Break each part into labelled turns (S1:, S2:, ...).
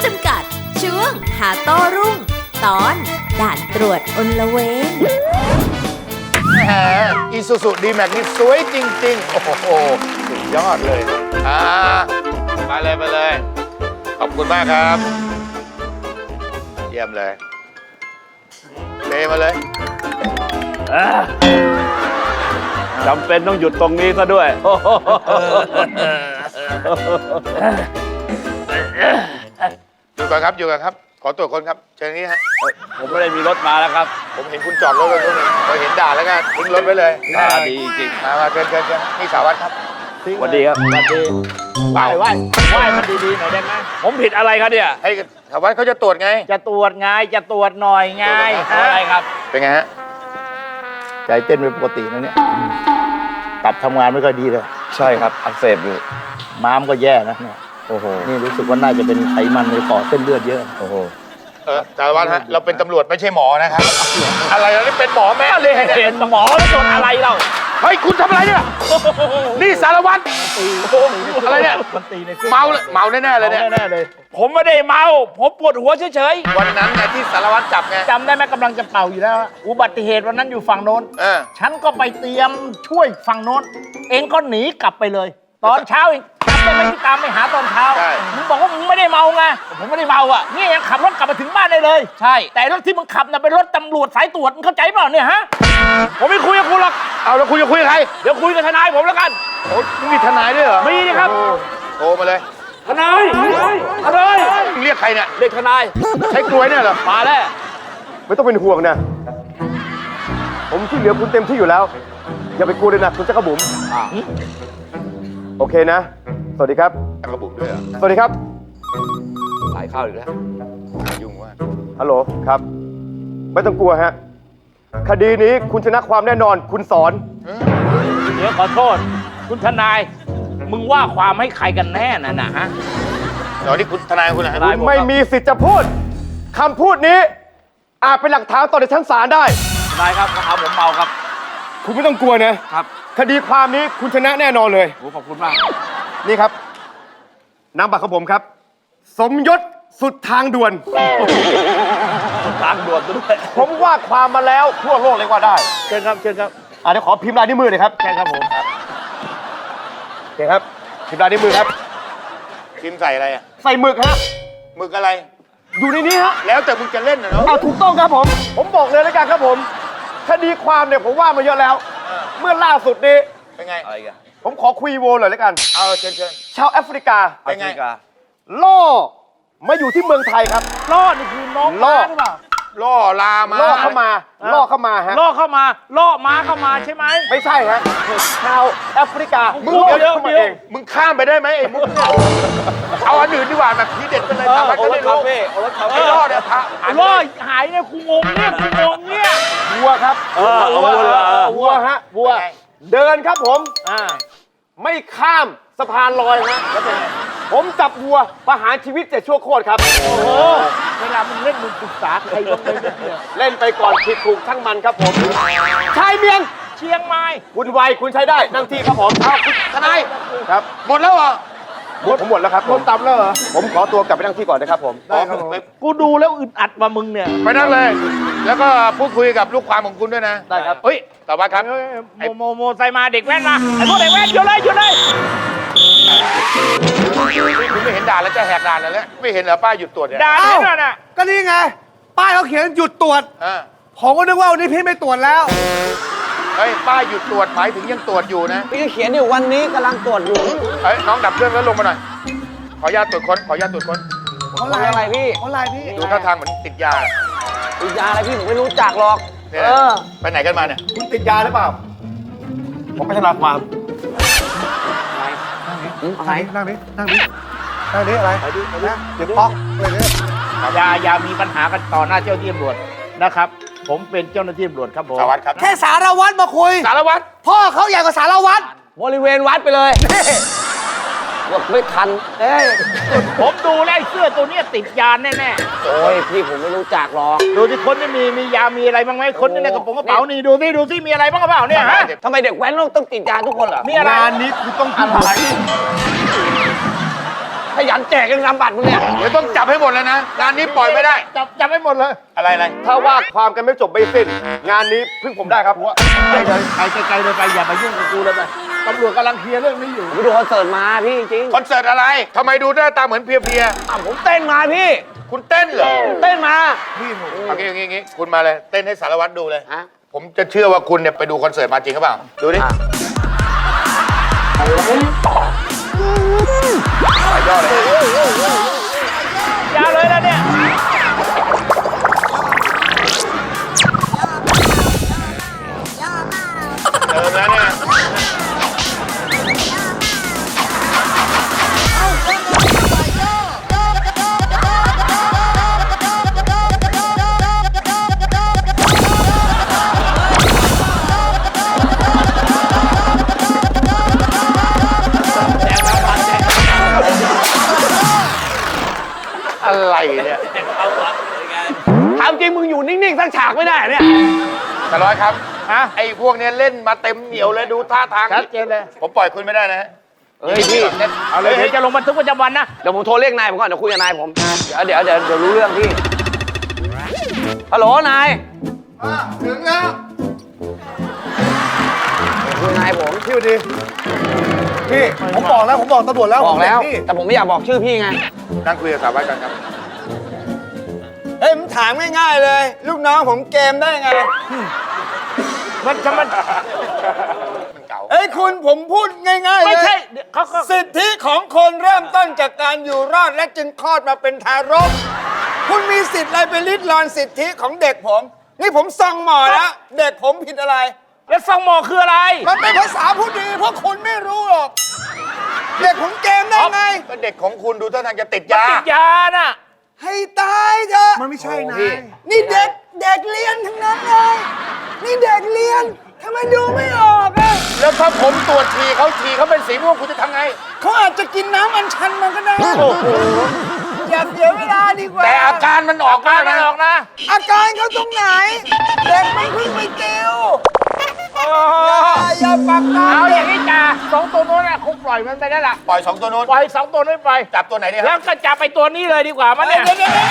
S1: ำกัด ช่วงหาโต้รุ่ง ตอนด่านตรวจอลเวง
S2: แหมอีซูซูดีแม็กนี่สวยจริงๆ โอ้โหสุดยอดเลยไปเลยไปเลย ขอบคุณมากครับ เยี่ยมเลยเทมาเลย
S3: จำเป็นต้องหยุดตรงนี้ซะด้วย
S2: อยู่กันครับ อยู่กันครับ ขอตรวจคนครับ เชิญนี้ฮะ
S3: ผมไม่ได้มีรถมาแล้วครับ
S2: ผมเห็นคุณจอดรถไว้ตรงนี้พอเห็นด่านแล้วก็ทิ้งรถไว้เลย
S3: ดีจริง
S2: มาเชิญนี่สารวัตรครับ
S3: สวัสดีครับสวัสดีไหว้มันดีๆหน่อยได้ไหมผมผิดอะไรครับเนี่ย
S2: ให้สารวัตรเขาจะตรวจไง
S4: จะตรวจไงจะตรวจหน่อยไง
S3: อะไรครับ
S2: เป็นไงฮะ
S4: ใจเต้นเป็นปกตินะเนี่ยตับทำงานไม่ค่อยดีเลย
S3: ใช่ครับอักเสบอยู่
S4: ม้ามก็แย่นะเนี่ย
S3: โอ้โห
S4: นี่รู้สึกว่าน่าจะเป็นไขมันในปอดเส้นเลือดเยอะ
S3: โอ้โห
S2: สารวัตรฮะ เราเป็นตำรวจไม่ใช่หมอนะครับ อะไรเรานี่เป็นหมอแม่เลย
S3: เป็นหมอแล้วโดนอะไรเรา
S2: เฮ้ย คุณทำอะไรเนี่ย นี่สารวัตรอะไรเนี่ย
S4: มันตีใน
S2: เมาแน่ๆเลยเนี่ย
S4: แน่ๆเลย
S3: ผมไม่ได้เมาผมปวดหัวเฉย
S2: วันนั้นไงที่สารวัตรจับไง
S4: จำได้ไหมกำลังจะเป่าอยู่แล้วอุบัติเหตุวันนั้นอยู่ฝั่งโน้น ฉันก็ไปเตรียมช่วยฝั่งโน้น เองก็หนีกลับไปเลย ตอนเช้าเองจำได้ไหมที่ตามไปหาตอนเช้า
S2: ใช่
S4: มึงบอกว่ามึงไม่ได้เมาไงผมไม่ได้เมาอ่ะนี่ยังขับรถกลับมาถึงบ้านได้เลย
S3: ๆ ใช่
S4: แต่รถที่มึงขับน่ะเป็นรถตำรวจสายตรวจมึงเข้าใจเปล่าเนี่ยฮะ
S3: ผมไม่คุยกับคุณหรอก
S2: เอาแล้วคุณจะคุยกับใคร
S3: เดี๋ยวคุยกับทนายผมแล้วกัน
S2: โอ้มึงมีทนายด้วยเหรอ
S3: มีนี่ครับ
S2: โทรมาเลย
S3: ทนาย
S2: มึงเรียกใครเนี่ย
S3: เด็กทนาย
S2: ใช้กลวยเนี่ยเหรอ
S3: มาแล้ว
S5: ไม่ต้องเป็นห่วงนะ ผมช่วยเหลือคุณเต็มที่อยู่แล้ว อย่าไปกลัวเลยนะคุณจักรบุ๋มโอเคนะ สวัสดีครับ
S2: กระบุ๋มด้วยเหรอ
S5: สวัสดีครับ
S3: สายเข้าอีกแล้ว
S2: ยุ่งว่าก
S5: ฮัลโหลครับ ไม่ต้องกลัวฮะ คดีนี้คุณชนะความแน่นอน คุณสอน
S4: เดี๋ยวขอโทษ คุณทนาย มึงว่าความให้ใครกันแน่น่ะนะฮะ
S2: เดี๋ยวนี่คุณทนายคุณนะ
S5: คุณไม่มีสิทธิ์จะพูดคำพูดนี้ อาจเป็นหลักฐานต่อในชั้นศาลได้
S3: ทนายครับเขาผมเมาครับ
S5: คุณไม่ต้องกลัวนะ
S3: ครับ
S5: คดีความนี้คุณชนะแน่นอนเลย
S3: โอ้ขอบคุณมาก
S5: นี่ครับนามบัตรของผมครับ สมยศสุดทางด่วน
S3: ทางด่วนซะด้วย
S5: ผมว่าความมาแล้วทั่วโลกเลยว่าได้
S4: เชิญครับ เชิญครับ
S5: เดี๋ยวขอพิมพ์ลายนิ้วมือหน่อยครับ
S4: ใช่ครับผม
S5: โอเคครับ พิมพ์ลายนิ้วมือครับ
S2: พิมพ์ใส่อะไรอ่ะ
S5: ใส่หมึกฮะ
S2: หมึกอะไร
S5: อยู่ในนี้ฮะ
S2: แล้วแต่มึงจะเล่นนะเนาะ
S5: เอาถูกต้องครับผม ผมบอกเลยแล้วกันครับผม คดีความเนี่ยผมว่ามาเยอะแล้ว เมื่อล่าสุดนี้
S2: เป็นไง
S3: อะไรกัน
S5: ผมขอคุยโวหน่อยแล้วกัน
S2: เอาเชิญ
S5: ชาวแอฟริกา
S2: เป็นไง
S3: อฟริกา
S5: ล่อมาอยู่ที่เมืองไทยครับ
S4: ล่อนี่คือน้อง
S5: ล่อ
S4: ม้าหรือเปล่า
S2: ล่อลามา
S5: ล่อเข้ามา ล่อเข้ามาฮะ
S4: ล่อเข้ามา ล่อม้าเข้ามาใช่ไหม
S5: ไม่ใช่ฮะ ชาวแอฟริกา
S2: มึง
S5: ล่อ
S2: เดี๋ยว
S5: เข้ามา
S2: เดี๋ยว
S5: เอง
S2: มึงข้ามไปได้ไหมไอ้มุกเนี่ยเอาอันอื่นดีกว่าแบบทีเด็ดไปเลยสารวัตร
S3: โอ
S2: ก็
S3: ร
S2: ได้
S3: สคา
S2: รู้
S3: เฟ่โอรสคา
S2: ไอ้
S3: เฟ่
S2: ล่อเนี่ยพระ
S4: ล่อหายเนี่ยกูงงเนี่ยกูงงเนี่ย
S5: วัวครับ
S3: เอาวัวเหรอ
S5: วัวฮะ วัว เดินครับผม
S4: อ่า
S5: ไม่ข้ามสะพานลอยฮะผมจับวัวประหารชีวิต7ชั่วโคตรครับ
S4: โอ้โหเวลามึงเล่นมึงปรึกษาใครบ้างไหมเนี่ย
S5: เล่นไปก่อนผิดถูกช่างมันครับผมชายเมียง
S4: เชียงใหม่
S5: คุณไวคุณใช้ได้นั่งที่ครับผม
S2: ทนาย
S5: ครับ
S2: หมดแล้วเหรอ
S5: ผมหมดแล้วครับผมตับแล้วเหรอผมขอตัวกลับไปนั่งที่ก่อนนะครับผม
S2: ได้ครับผม
S4: กูดูแล้วอึดอัดว่ามึงเนี่ย
S2: ไปนั่งเลย แล้วก็พูดคุยกับลูกความของคุณด้วยนะ
S5: ได้ครับ
S2: เฮ้ยสารวัตรครับ
S4: โมใส่มาเด็กแว่นมาไอ้พวกเด็กแว่นหยุดเลยหยุดเลย
S2: คุณไม่เห็นด่านแล้วจะแหกด่านแล้วไม่เห็นเหรอป้ายหยุดตรวจเนี่ย
S4: ด่าแน่นอนอ่ะ
S6: ก็นี่ไง ป้ายเขาเขียนหยุดตรวจ ผมก็นึกว่าวันนี้พี่ไม่ตรวจแล้ว
S2: เฮ้ยป้ายหยุดตรวจหมายถึงยังตรวจอยู่นะ
S6: พี่เขียนอยู่วันนี้กำลังตรวจอยู่
S2: เฮ้ยน้องดับเครื่องแล้วลงมาหน่อย ขออนุญาตตรวจค้นขออนุญาตตรวจค้น
S6: เขาไล่อะไรพี่เขาไล่พี่
S2: ดูท่าทางเหมือนติดยา
S6: ติดยาอะไรพี่ผมไม่รู้จักหรอก
S2: เนี่ยนะไปไหนกันมาเนี่ย
S5: คุณติดยาหรือเปล่า ผมไปทนายความ
S6: อะไรนั่งดินั่งดินั่งดิอะไรนะเดี๋ยวป๊อกเลยเนี่ย
S4: อย่ามีปัญหากันต่อหน้าเจ้าหน้าที่ตำรวจนะครับ ผมเป็นเจ้าหน้าที่ตำรวจครับผม
S2: สารวัตรครับ
S6: แค่สารวัตรมาคุย
S2: สารวัตร
S6: พ่อเขาใหญ่กว่าสารวัตร
S7: บริเวณวัดไปเลยหลบไม่ทัน
S6: เอ้ย
S4: ผมดูแล้วไอ้เสื้อตัวเนี้ยติดยาแน่
S7: โอ้ย พี่ผมไม่รู้จักหรอก
S4: ๆดูที่คนนี่มียามีอะไรบ้างไหมคนนี่ในกระเป๋านี่ดูสิมีอะไรบ้างหรือเปล่าเนี่ยฮะ
S7: ทำไมเด็กแว้นต้องติดยาทุกคนเหรอ
S4: มีอะไร
S5: งานนี้คุณต้องกินอะไร
S4: ฮ
S7: ขยันแจกกันนำบัตรมึงเนี่ย
S2: เดี๋ยวต้องจับให้หมดเลยนะ งานนี้ปล่อยไม่ได้
S4: จับให้หมดเลย
S2: อะไรอะไร
S5: ถ้าว่าความกันไม่จบไม่สิ้น งานนี้พึ่งผมได้ครับ
S4: ไปเลยไปไกลๆเลยไปอย่ามายุ่งกับกูเลยไปตำรวจกำลังเคลียร์เรื่องนี้อยู่
S7: ผมไปดูคอนเสิร์ตมาพี่จริง
S2: คอนเสิร์ตอะไรทำไมดูหน้าตาเหมือนเพลีย
S7: ผมเต้นมาพี่
S2: ๆคุณเต้นเหรอ
S7: เต้นมา
S2: โอเคอย่างงี้คุณมาเลย เต้นให้สารวัตรดูเลย
S7: ฮะ
S2: ผมจะเชื่อว่าคุณเนี่ยไปดูคอนเสิร์ตมาจริงหรือเปล่า ดูดิหลายยอดเลย
S3: ยาวเลยนะเนี่ย
S2: เติมแล้วเนี่ย อะไรเนี่ย
S7: ถามจริงมึงอยู่นิ่งๆสักฉากไม่ได้เหรอเนี่ย
S2: สารวัตรครับไอ้พวกเนี้ยเล่นมาเต็มเหนียวเลยดูท่าทาง
S4: ชัดเจนเลย
S2: ผมปล่อยคุณไม่ได้นะฮะ
S7: เฮ้ยพี่
S3: เอาเลยเดี๋ยวจะลงบันทึกประจำวันนะ
S7: เดี๋ยวผมโทรเรียกนายผมก่อนเดี๋ยวคุยกับนายผม เดี๋ยวรู้เรื่องพี่ ฮัลโหลนาย
S6: ถึงแล้ว
S7: คุยกับนายผม
S6: พี่ดี พี่ ผมบอกแล้ว ผมบอกตำรวจแล้ว
S7: บอกแล้ว
S6: ผมเด็กพี่
S7: แต่ผมไม่อยากบอกชื่อพี่ไง
S2: นั่งคุยกับสารวัตรกันครับ
S8: เฮ้ยผมถามง่ายๆเลย ลูกน้องผมเกมได้ไง
S4: มัน
S2: มันเก่า
S8: เฮ้ยคุณผมพูดง่ายๆเลย
S4: ไม่ใช่เขา
S8: สิทธิของคนเริ่มต้นจากการอยู่รอดและจึงคลอดมาเป็นทารก คุณมีสิทธิ์อะไรไปริดรอนสิทธิของเด็กผม นี่ผมส่องหมอแล้วเด็กผมผิดอะไร
S4: แล้วซองหมอคืออะไร
S8: มันเป็นภาษาผู้ดีเพราะคุณไม่รู้หรอก เด็กผมเกมได้ไง
S2: ก็เด็กของคุณดูท่าทางจะติด
S4: มัน
S2: ยา
S4: ติดยาน่ะ
S8: ให้ตายเถอะ
S6: มันไม่ใช่นะ
S8: นี่เด็กเรียนทั้งนั้นเลย นี่เด็กเรียนทำไมดูไม่ออกอะ
S2: แล้วถ้าผมตรวจฉี่เขาเป็นสีม่วงคุณจะทำไง
S8: เขาอาจจะกินน้ำอัญชันมันก็ได้ อย่าเสียเวลาดีกว่า
S2: แต่อาการมันออกมากนะ
S8: อาการเขาตรงไหน เด็กมันเพิ่งไปเกลอย่าปักตา
S4: เอาอย่างนี้จ่าสองตัวนู้นน่ะคงปล่อยมันไปได้ละ
S2: ปล่อยสองตัวนู้น
S4: ปล่อยสองตัวนู้นไป
S2: จับตัวไหนดีค
S4: แล้
S2: รั
S4: ว
S2: บ
S4: ก็จับไปตัวนี้เลยดีกว่ามันเนี่ย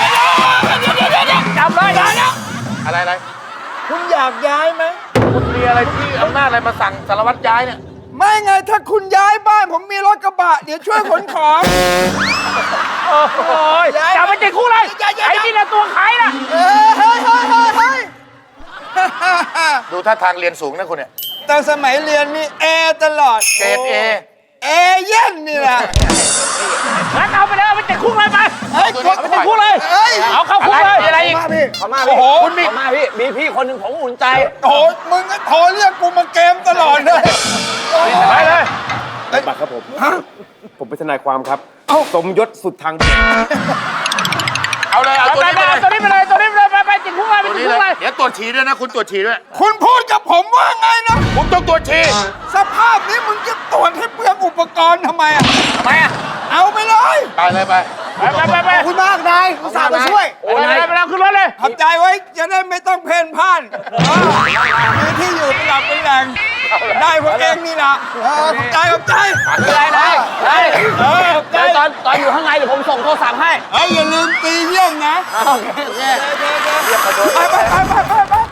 S4: จับเลยได้แล้ว
S2: อะไร
S8: คุณอยากย้ายไหม
S2: คุณมีอะไรที่อำนาจอะไรมาสั่งสารวัตรย้ายเนี่ย
S8: ไม่ไงถ้าคุณย้ายบ้านผมมีรถกระบะ เดี๋ยวช่วยขนของ
S4: โอ้ยจับไปติดคุกเลยไอ้นี่ละตัวขายน่ะ
S8: เฮ้ย
S2: ดูท่าทางเรียนสูงนะคุณเนี่ย
S8: ตอนสมัยเรียนนี่เอตลอด
S2: เกรดเอ
S8: เอเย่นนี่แหละ
S4: งั้นเอาไปเลยเอาไปติดคุกเลยไป
S8: เฮ้ย
S2: ตัวนี้
S4: เอาไปติดคุกเลย
S8: เฮ้ย
S4: เอาเข้าคุกเลย
S2: อะไรอีก
S7: เขามา
S8: โอ้
S7: พี่
S8: โห
S7: เขามาพี่ มีพี่คนหนึ่งผมอุ่นใจ
S8: โอ้โหมึงก็โทรเรียกกูมาเกมตลอดเลย
S4: ไปเลย
S5: บัตรครับผม ผมเป็นทนายความครับ สมยศสุดทางเดช
S2: เอาเลย เอา
S4: เอา
S2: ตัว
S4: ไป
S2: นี้
S4: ไป
S2: ไปเลย
S4: ตัวนี้ไปเลยตัวนี้ไปเลยไปติดคุกเลยไป
S2: ตัว
S4: ติด
S2: นี้
S4: คุ
S2: เล
S4: กเลย ย
S2: เดี๋ยวตรวจฉี่ด้วยนะ คุณตรวจฉี่ด้วย
S8: คุณพูดกับผมว่าไงนะ
S2: ผมต้องตรวจฉี่
S8: สภาพนี้มึงจะตรวจให้เปลืองอุปกรณ์ทำไมอ่ะ
S2: ทำไมอ่ะ
S8: เอาไปเลย
S2: ไปเลยไป
S4: ไป
S6: ขอบคุณมากนายอุตส่าห์มาช่วย
S4: ไปเลยขึ้นรถเลย
S8: ขอบใจไว้จะได้ไม่ต้องเพ่นพ่านมีที่อยู่เป็นหลักเป็นแหล่ง ได้พวกเองนี่นะขอบใจ
S7: ได้
S8: ขอบใจ
S7: เดี๋ยวตอนอยู่ข้างในเดี๋ยวผมส่งโทรศัพท์ให้
S8: อย่าลืมตีเยี่ยงนะ
S7: โอเค
S8: ไป